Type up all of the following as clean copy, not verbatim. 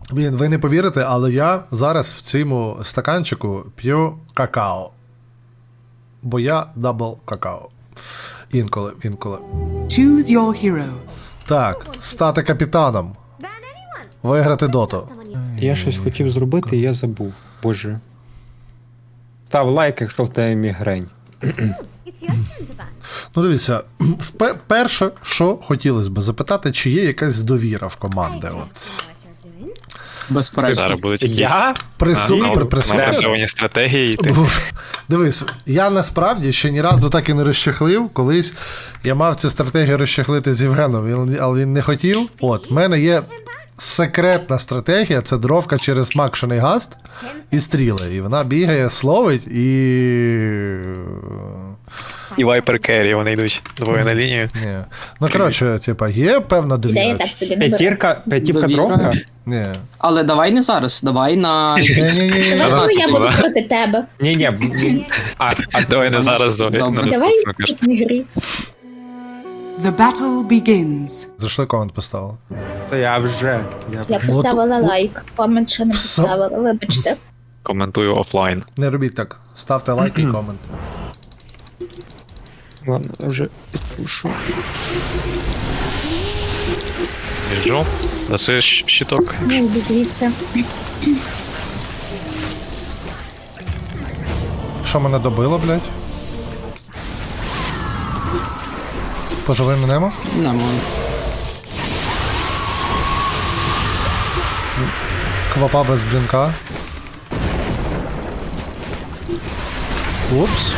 Ви не повірите, але я зараз в цьому стаканчику п'ю какао. Бо я дабл какао. Інколи. Choose your hero. Так, стати капітаном. Виграти доту. Я щось хотів зробити, і я забув. Боже. Став лайк, якщо в тебе мігрень. Ну дивіться, перше, що хотілося б запитати, чи є якась довіра в команди. От. Безперечно. Зараз будуть якісь Я? напрацьовані стратегії. І ти... Дивись, я насправді ще ні разу так і не розчехлив. Колись я мав цю стратегію розчехлити з Євгеном, але він не хотів. От, в мене є секретна стратегія, це дровка через макшений гаст і стріли. І вона бігає, словить І вайпер керрі, вони йдуть двоє на лінію. Ні. Ну, коротше, типа, є певна довіра. Ідея так собі не бере. П'ятірка Довіра. дровка? Ні. Але давай не зараз, давай на... Ні. Давай, я буду була. проти тебе. Ні. Давай не зараз, давай на Добре. Давай наступну кажу. в ігрі. The battle begins. Зайшли комент поставили. Та я вже. Я поставила лайк. Комент ще не Все. поставила, вибачте. Коментую офлайн. Не робіть так. Ставте лайк і комент. Ладно, я вже підпишу. Біжу. Даси щиток. Ну, йду звідси. Що мене добило, блядь? Поживим минемо? Не можу. Квапа без блінка. Упс.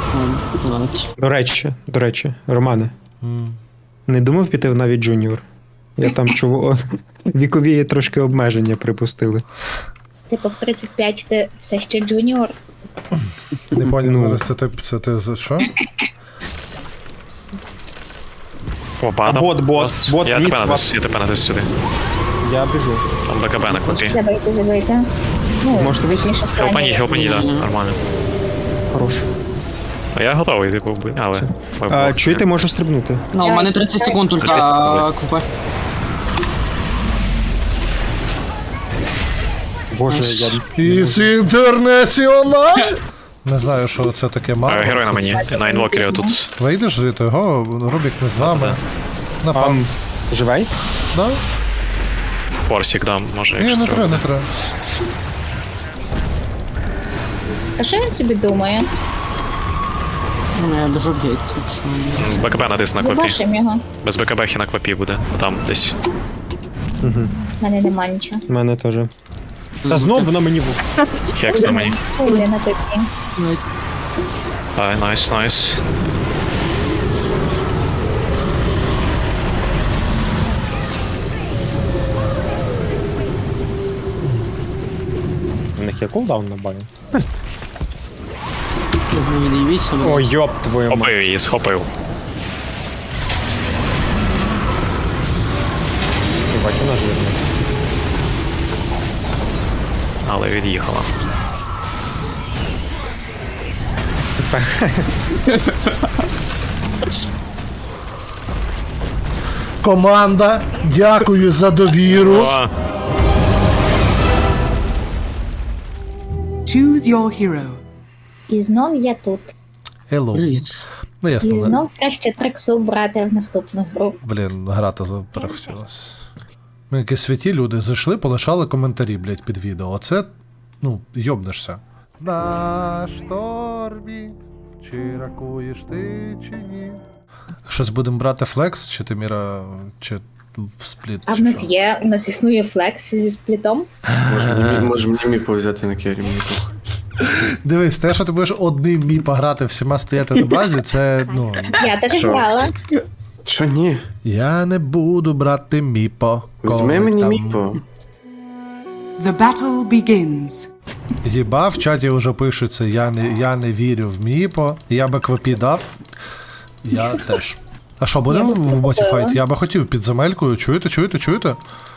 До речі, Романе. Не думав піти в навіть джуніор? Я там чув, вікові трошки обмеження припустили. Типу в 35 ти все ще джуніор. Не поняв Ну. зараз, це ти за що? О, падав. бот, Я мід, тебе натис сюди. Я біжу. Там БКБ на копі. Треба йти забити. Ну, Можете вийти? точніше, Хелпані, да, нормально. Хорош. А я готовий, типу, але... Чуєте, можу стрибнути. Ну, у мене 30 секунд ульта КВП. Боже, я... It's інтернаціонал! Не знаю, що це таке мало. Герой на мені, на інвокері отут. Вийдеш звідти, його Рубік не з нами. Напам. Живий? Да? Форсік дам, може, Ні, не треба, не треба. А що він собі думає? Ну, я біжу в гейт тут. БКБ натис на копі. Побачимо його. Без БКБ хі на копі буде. Там десь. В мене нема нічого. У мене теж. Та знов вона мені Хекс на мені. Йди на тобі. Ай, найс. У них є кулдаун на бані. Мені не дивіться. О, йоп твою мать. Схопив її, схопив. Бать, вона жирна. Але від'їхала. Команда, дякую за довіру. О, Choose your hero. І знов я тут. Hello. Привіт. Ну І ясно, знов краще трексу брати в наступну гру. блін, грати перехотілась. Ми якісь святі люди зайшли, полишали коментарі, блядь, під відео. Оце, ну, йобнешся. На штормі, чи ракуєш ти, чи ні? Щось будемо брати флекс, чи ти, Міра, чи в спліт? А в чи нас що? є, у нас існує флекс зі сплітом. Може мені міпо взяти на кері, мені похуй. Дивись, те, що ти будеш одним міпа грати, всіма стояти на базі, це, ну... Я так Що? грала. Що ні? Я не буду брати міпо. Візьми коли мені там- міпо. The battle begins. Єба, в чаті вже пишеться, я не вірю в міпо. Я би квапі дав. Я теж. А що, будемо Я би в боті купила. файт? Я би хотів під земелькою. Чуєте?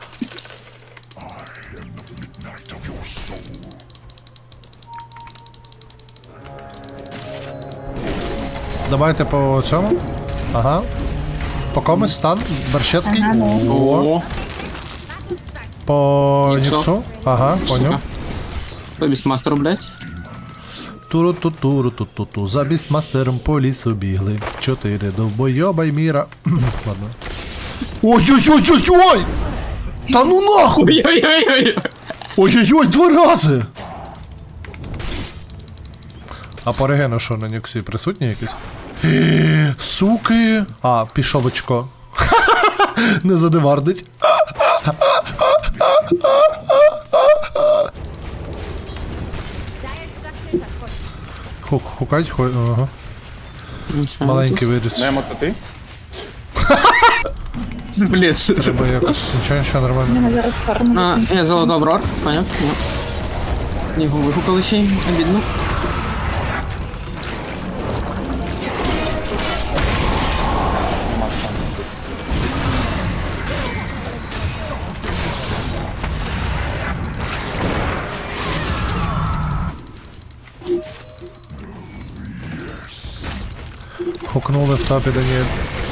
Давайте по цьому. Ага. По комусь стан. Барщецький. Ага, ну. О. О, По Ніксо. Ніксу? Ага, поняв. По бістмастеру, блядь. Туру-ту-туру-ту-ту-ту. За бістмастером по лісу бігли. 4 довбойоба й міра. Ладно. Ой-ой-ой-ой-ой! Та ну нахуй! Ой-ой-ой-ой. Ой-ой-ой, 2 рази! А по регену що на Ніксі присутні якісь? Суки! А, пішов очко. Не задевардить. Хукать, ага. Нічого. Маленький виріс. Немо, це ти? Блядь. Треба якось. Нічого, У нормально. мене зараз фарма А, закінчиться. я золотой брор, поняв? Його вихукали ще й, обідно. Хукнули в топі, Даніель.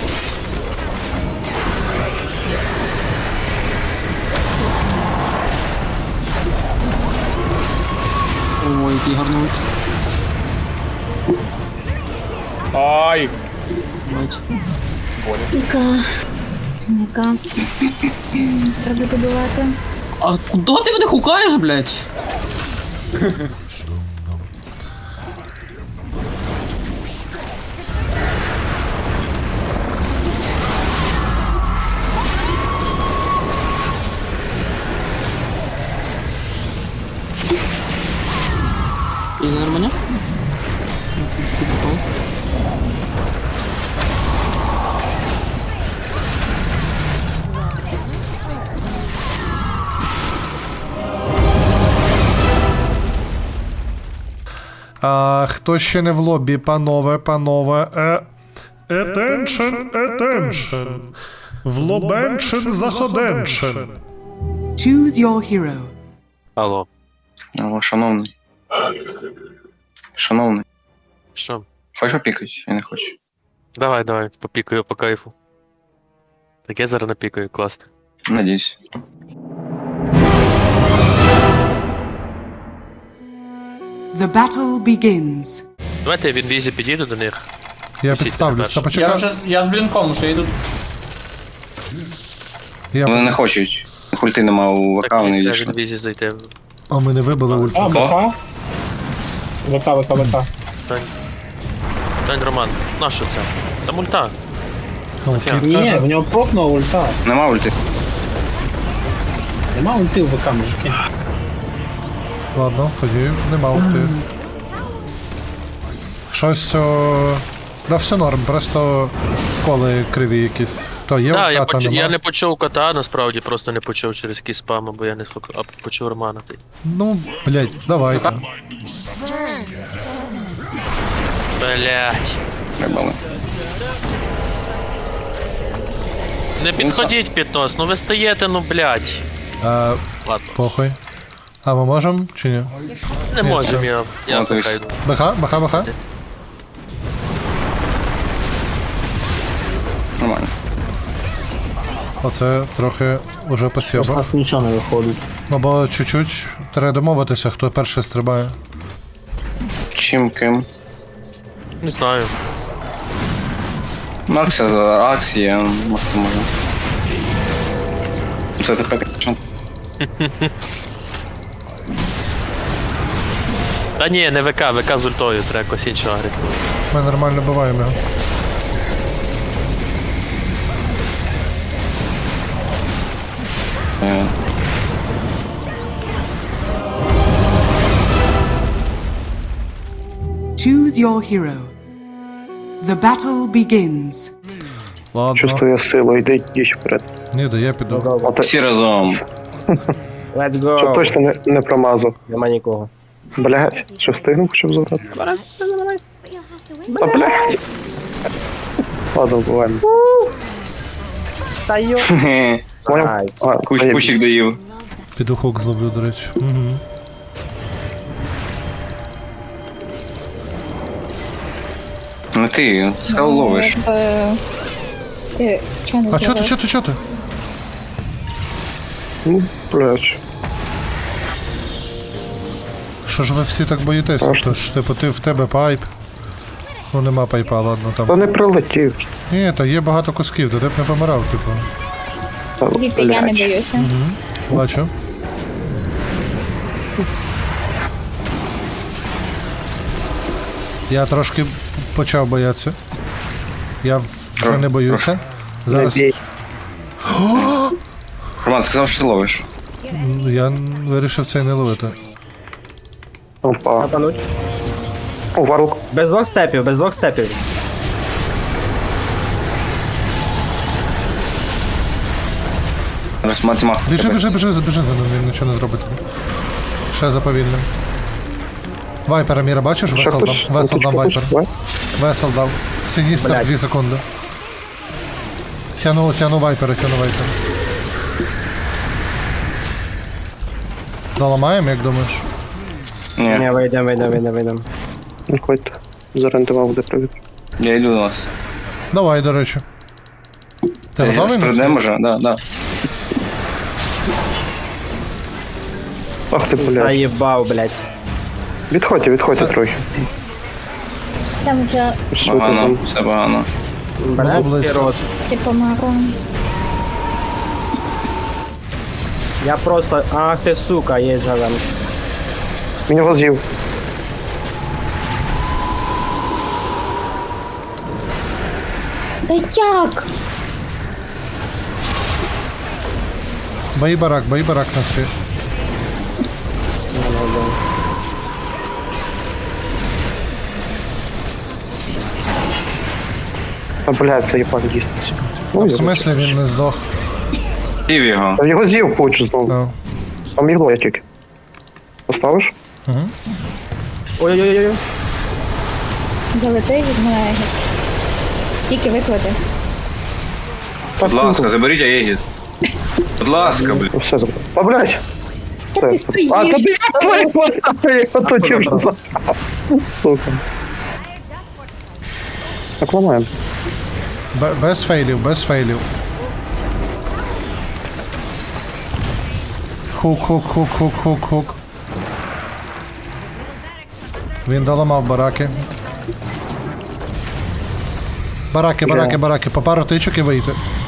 Ой, який гарний ульт. Ай! Бать. Ніка. Треба добивати. А куди ти мене хукаєш, блядь? І нормально? А, хто ще не в лобі, панове, панове. Attention. В лобеншин заходеншин. Choose your hero. Алло. Алло, шановний. Шановний. Що? Хочеш опікати? Я не хочу. Давай, попікаю по кайфу. Так я зараз напікаю, класно. Надіюсь. The battle begins. Давайте я в інвізі підійду до них. Я Пустіть підставлюсь. Та мене почекай. Я з блінком уже йду. Вони не Я... хочуть. Хульти нема у ВК, Так вони мені треба в відійшли. інвізі зайти. А ми не вибили ульт. ВК. Тань, Роман, на що це? Там ульта. Ну, Окей. кіт Ні, каже. в нього прокнула ульта. Нема ульти. Нема ульти в ВК, мужики. Ладно, тоді нема ульти. Щось. Да все норм, просто коли криві якісь. То є Так, ульта, то я нема. не почув кота, насправді просто не почув через якийсь спам, бо я не а почув Романа. Ну, блять, давайте. Блять. Рибали. Не підходіть під нос, ну ви стоїте, ну блять. Ладно, Похуй. А ми можемо чи ні? не можемо, я Ну, то есть- хай йду. Баха. Нормально. Оце трохи уже посєба. нас нічого не виходить. Ну бо чуть-чуть треба домовитися, хто перший стрибає. Чим ким? Не знаю. Аксія за акція, максимально. Це тепер що? Та ні, не ВК, ВК з ультою, треба якось іншого грати. Ми нормально биваємо його. Choose your hero. The battle begins. Ладно. Чувствую силу, йди вперед. Ні, да я піду. Всі разом. Let's go. Щоб точно не промазав. Нема нікого. Блядь, що встигнув, щоб забрати? Та блядь. Ладно, буваємо. Поняв? А, Кущик доїв. Піду хук зловлю, до речі. Угу. Ну ти, скал ловиш. Ти чого не А чо зробив? ти? Ну, Блядь. Що ж ви всі так боїтесь? То ж, типу, в тебе пайп. Ну нема пайпа, ладно Та там. не прилетів. Ні, то є багато кусків, то ти б не помирав, типу. Дивіться, я не боюся. Бачу. Я трошки почав боятися. Я вже не боюся. Зараз Роман сказав, що ти ловиш. я вирішив це не ловити. Опа. Напануть. О, варлок. Без двох степів, без двох степів. Зараз математика. Біжи за ним, він нічого не зробить. Ще заповільним. Вайпера Міра, бачиш? Ще Весел дав. хтось? Весел дав вайпер. Давай. Весел дав. Синістер Блядь. 2 секунди. Тяну вайпера. Заламаємо, як думаєш? Ні, Ні, вийдемо. Виходьте. Зорієнтував, буде привід. я йду до вас. Давай, до речі. Ти готовий на це? Прийдемо вже? Да. Ах ти, блядь. Заїбав, блядь. Відходьте трохи. Там вже Що ти Погано, там? все погано. Блядський близько. рот. всі померли. Я просто... Ах ти, сука, є зелен. Він його з'їв. Та як? Бої барак на світ. А, блядь, це їбан діститься. А в смислі він не здох? Пів його. Та його з'їв хочу знову. Ну. Там ігло я тільки. Поставиш? Ой-ой-ой. Залети, візьми Егіс. Стільки виклади. Будь ласка, заберіть Аегіс. Будь ласка, блін. Все забрав. А, блядь! Та ти стоїш. А, тобі я поставив, оточив вже за... Сука. Так, ламаємо. Без фейлів. Хук. Він доламав бараки. Бараки. По пару тичок і вийти.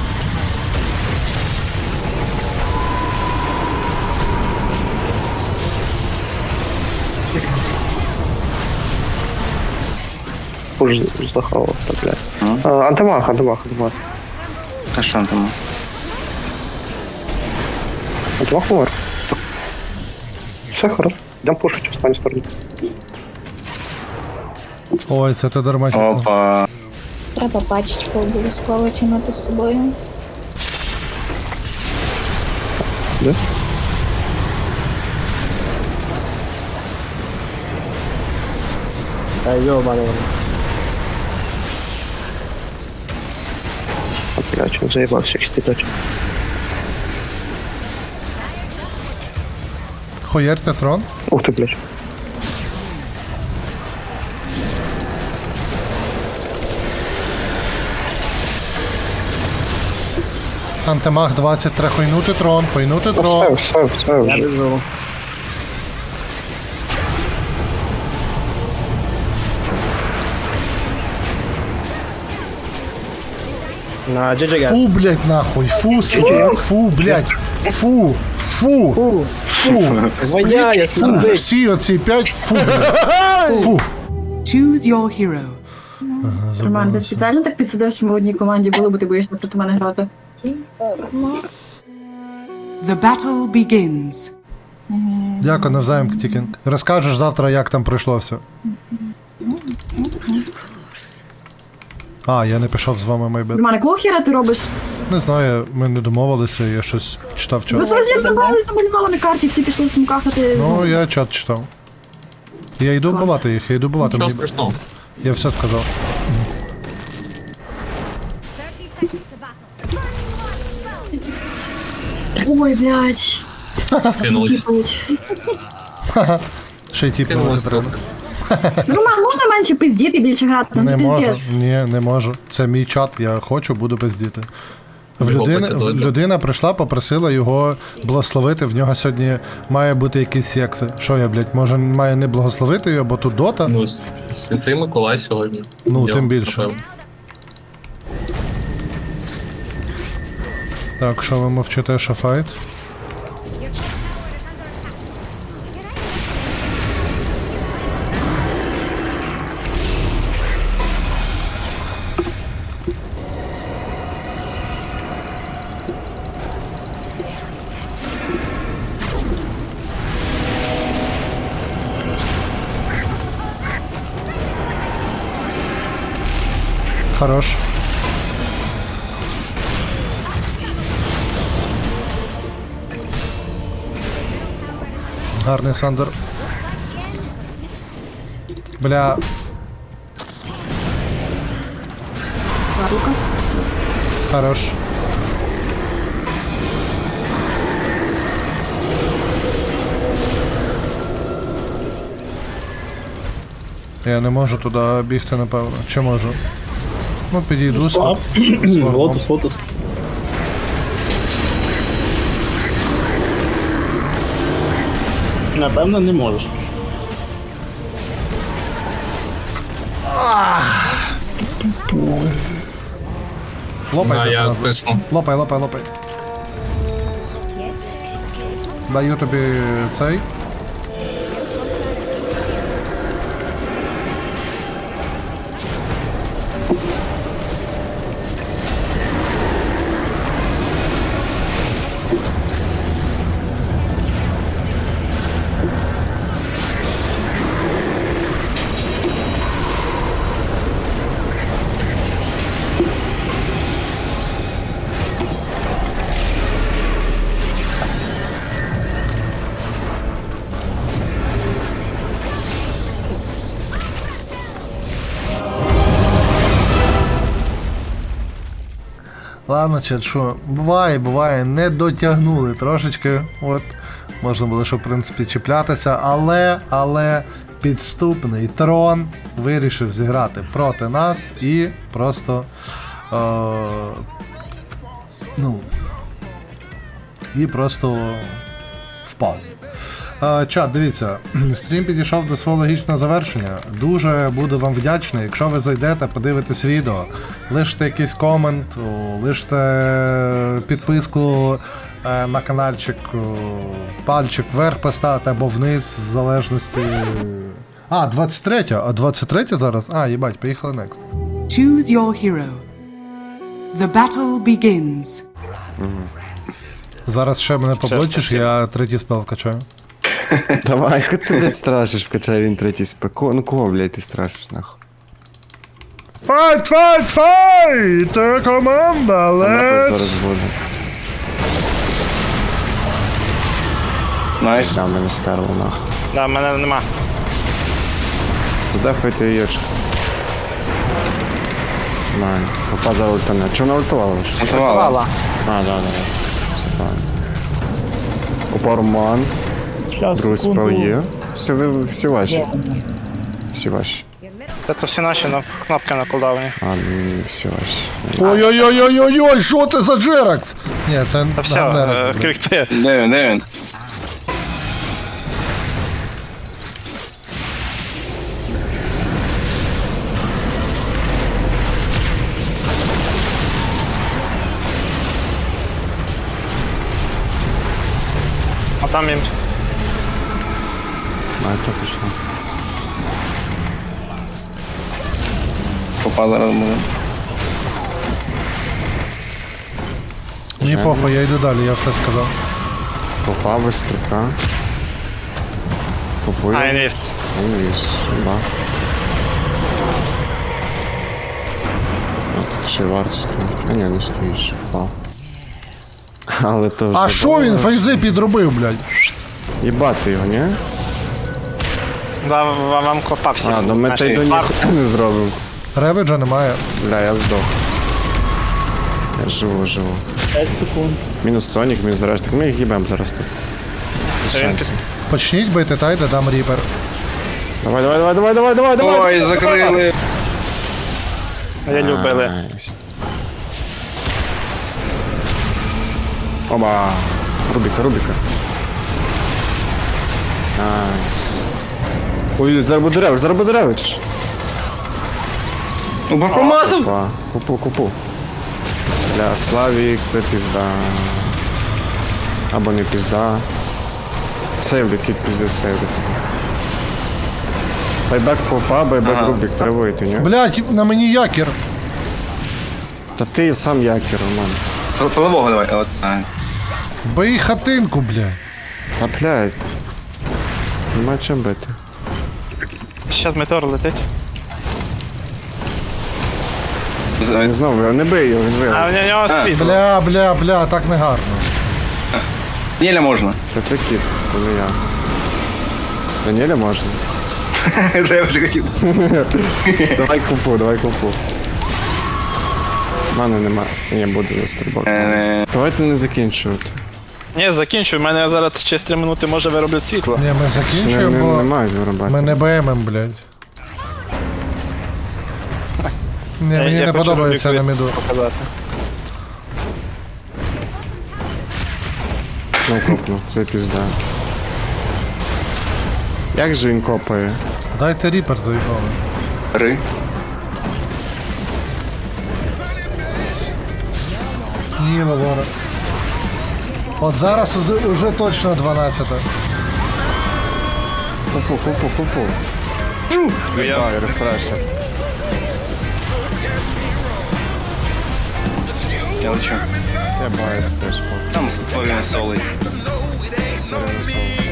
Уж захавав, так, блядь. Антимах. А що там? Антимах помер. Все, хорошо. Йдемо пушить в останню сторону. Ой, це ти дарма. Опа. Треба пачечку обов'язково тягнути з собою. Де? Та йобаний. А, блядь, він заїбався їх стіпати. Хуярте трон. Ух ти, блядь. Антимах 20, треба хуйнути трон. Все Я вже. біжу. На GG, guys. Фу, блядь, нахуй. Фу, блядь. Фу. Воняє, Фу, смердить. всі оці 5 фу, блядь. Фу. Choose your hero. Роман, ти спеціально так підсудив, що ми в одній команді були, бо ти боїшся проти мене грати? The battle begins. Дякую, навзаєм, Ктікінг. Розкажеш завтра, як там пройшло все. А, я не пішов з вами, майбет. Роман, якого хера ти робиш? Не знаю, ми не домовилися, я щось читав Ну, чат. совсем забрали, замалювали на карті, всі пішли в сумках, а ти... Ну, я чат читав. Я йду вбивати їх, Що мені- страшного? Я все сказав. Ой, блядь. Скинулись. Ще й ті Кинулось треба. Роман, можна менше пиздіти і більше грати? Ну, Не це можу, пиздець. ні, не можу. Це мій чат, я хочу, буду пиздіти. Людина прийшла, попросила його благословити, в нього сьогодні має бути якісь секси. Що я, блядь, може має не благословити його, бо тут дота? Ну, Святий Миколай сьогодні. Ну, тим більше. Так, що ви мовчите, що файт? Хорош. Гарний Сандер. Бля. Хорош. Я не можу туди бігти, напевно. Чи можу? Ну, підійду з Лотус. Напевно, не можеш. Лопай, я тисну. лопай. Даю тобі цей. Ладно, чат, що, буває, не дотягнули трошечки, от, можна було, що, в принципі, чіплятися, але підступний трон вирішив зіграти проти нас і просто, впав. Чат, дивіться, стрім підійшов до свого логічного завершення. Дуже буду вам вдячний, якщо ви зайдете, подивитесь відео, лиште якийсь комент, лиште підписку на каналчик, пальчик вверх поставити або вниз, в залежності. 23 зараз? Їбать, поїхали next. Choose your hero. The battle begins. Зараз ще мене поблочиш, я третій спел вкачаю. Давай, хоч ти, блядь, страшиш, вкачай він третій спек. Ну кого, блядь, ти страшиш, нахуй? Файт! Команда, Вона тут зараз буде. Найс. Да, мене стерло, нахуй. Да, мене нема. Задефайте яєчко. Май, попа за ультане. Чого вона ультувала? Ультувала. Да. Все правильно. Опарман. Другий спел є. Всі ваші. Це всі наші, но кнопки на кулдауні. Всі ваші. Ой-ой-ой, що це за Джеракс? Ні, це Джеракс. крикти. Де він? А там їм. То пішло. Попа зараз буде. Мені похуй, я йду далі, я все сказав. Попа быстрика. Попує. інвіст. Інвіз, да. Ще варт стоїть. Не стоїть, ще впав. Але то вже... А що він фейзи підробив, блядь? Їбати його, ні? Вам копався. Ну ми та й до ніхуя не зробимо. Реведжа немає. Бля, я здох. Я живу. 5 секунд. Мінус Сонік, мінус Решник. Ми їх їбем зараз тут. Без шансів. Почніть бити, тайде, дам ріпер. Давай. Ой, закрили. Я любили. Найс. Оба. Рубіка. Найс. Ой, Зарбодеревич. Промазав! Купу. Бля, Славік, це пізда. Або не пізда. Сейвлю, кіт пізди сейвлю. Байбек попа, байбек Рубік, треба вийти, ні? Блядь, на мені якір. Та ти сам якір, Роман. Полового давай. От. Бий хатинку, блядь. Та блядь. Нема чим бити. Щас метеор летить. Він знову, не бий його, він виграв. в нього спід. Бля, так не гарно. Неля можна. Та це кіт, то не я. Даніеля можна. Вже я вже хотів. Давай купу. В мене нема. Я буду на стрибок. Давайте не закінчувати. Ні, закінчуй, у мене зараз через 3 минути може вироблять світло. Ні, ми закінчуємо, бо Немає виробати. ми не БММ, блядь. Ні, мені Я не хочу подобається на Рубіку міду. показати. Знов копнув, це пізда. Як же він копає? Дайте ріпер заїбали. Ри. Ні, Лавора. От зараз уже точно 12-та. Купу. Ай, рефрешер. Я лечу. Я баюсь теж, Там Слов'ян солить. перенесов.